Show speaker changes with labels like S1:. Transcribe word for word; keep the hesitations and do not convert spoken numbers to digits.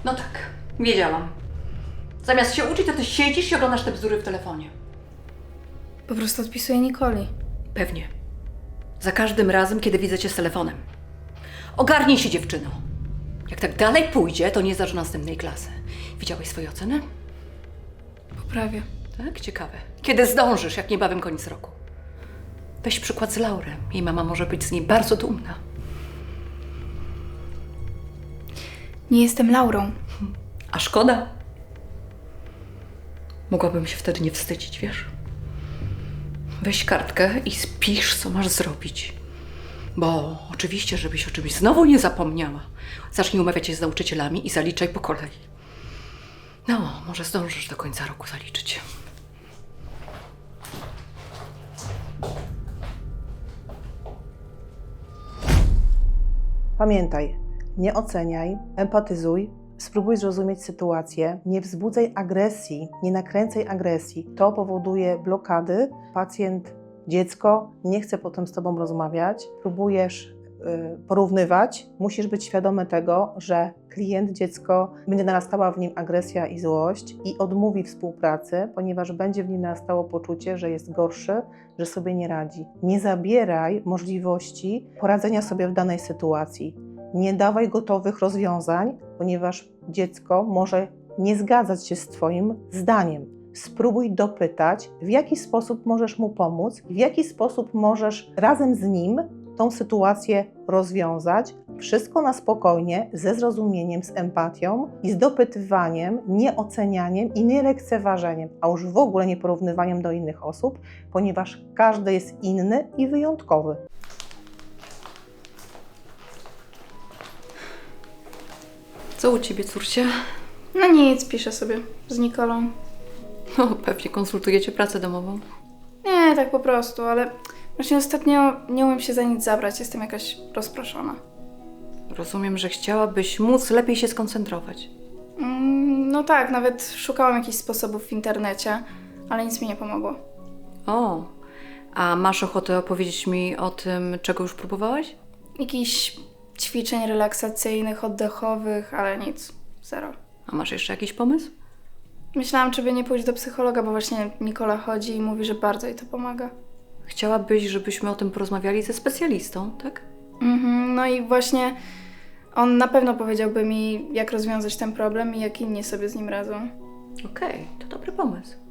S1: No tak, wiedziałam. Zamiast się uczyć, to ty siedzisz i oglądasz te bzdury w telefonie.
S2: Po prostu odpisuję Nikoli.
S1: Pewnie. Za każdym razem, kiedy widzę cię z telefonem. Ogarnij się, dziewczyno. Jak tak dalej pójdzie, to nie zdasz następnej klasy. Widziałeś swoje oceny?
S2: Poprawię.
S1: Tak? Ciekawe. Kiedy zdążysz, jak niebawem koniec roku? Weź przykład z Laury. Jej mama może być z niej bardzo dumna.
S2: Nie jestem Laurą.
S1: A szkoda. Mogłabym się wtedy nie wstydzić, wiesz? Weź kartkę i spisz, co masz zrobić. Bo oczywiście, żebyś o czymś znowu nie zapomniała. Zacznij umawiać się z nauczycielami i zaliczaj po kolei. No, może zdążysz do końca roku zaliczyć.
S3: Pamiętaj, nie oceniaj, empatyzuj, spróbuj zrozumieć sytuację, nie wzbudzaj agresji, nie nakręcaj agresji. To powoduje blokady. Pacjent, dziecko nie chce potem z Tobą rozmawiać, próbujesz y, porównywać. Musisz być świadomy tego, że klient, dziecko, będzie narastała w nim agresja i złość i odmówi współpracy, ponieważ będzie w nim narastało poczucie, że jest gorszy, że sobie nie radzi. Nie zabieraj możliwości poradzenia sobie w danej sytuacji. Nie dawaj gotowych rozwiązań, ponieważ dziecko może nie zgadzać się z Twoim zdaniem. Spróbuj dopytać, w jaki sposób możesz mu pomóc, w jaki sposób możesz razem z nim tą sytuację rozwiązać. Wszystko na spokojnie, ze zrozumieniem, z empatią i z dopytywaniem, nie ocenianiem i nie lekceważeniem, a już w ogóle nie porównywaniem do innych osób, ponieważ każdy jest inny i wyjątkowy.
S1: Co u ciebie, córcie?
S2: No nic, piszę sobie z Nikolą.
S1: No, pewnie konsultujecie pracę domową.
S2: Nie, tak po prostu, ale właśnie ostatnio nie umiem się za nic zabrać, jestem jakaś rozproszona.
S1: Rozumiem, że chciałabyś móc lepiej się skoncentrować.
S2: Mm, no tak, nawet szukałam jakichś sposobów w internecie, ale nic mi nie pomogło.
S1: O, a masz ochotę opowiedzieć mi o tym, czego już próbowałaś?
S2: Jakichś ćwiczeń relaksacyjnych, oddechowych, ale nic, zero.
S1: A masz jeszcze jakiś pomysł?
S2: Myślałam, czy by nie pójść do psychologa, bo właśnie Nikola chodzi i mówi, że bardzo jej to pomaga.
S1: Chciałabyś, żebyśmy o tym porozmawiali ze specjalistą, tak?
S2: Mhm, no i właśnie on na pewno powiedziałby mi, jak rozwiązać ten problem i jak inni sobie z nim radzą.
S1: Okej, to dobry pomysł.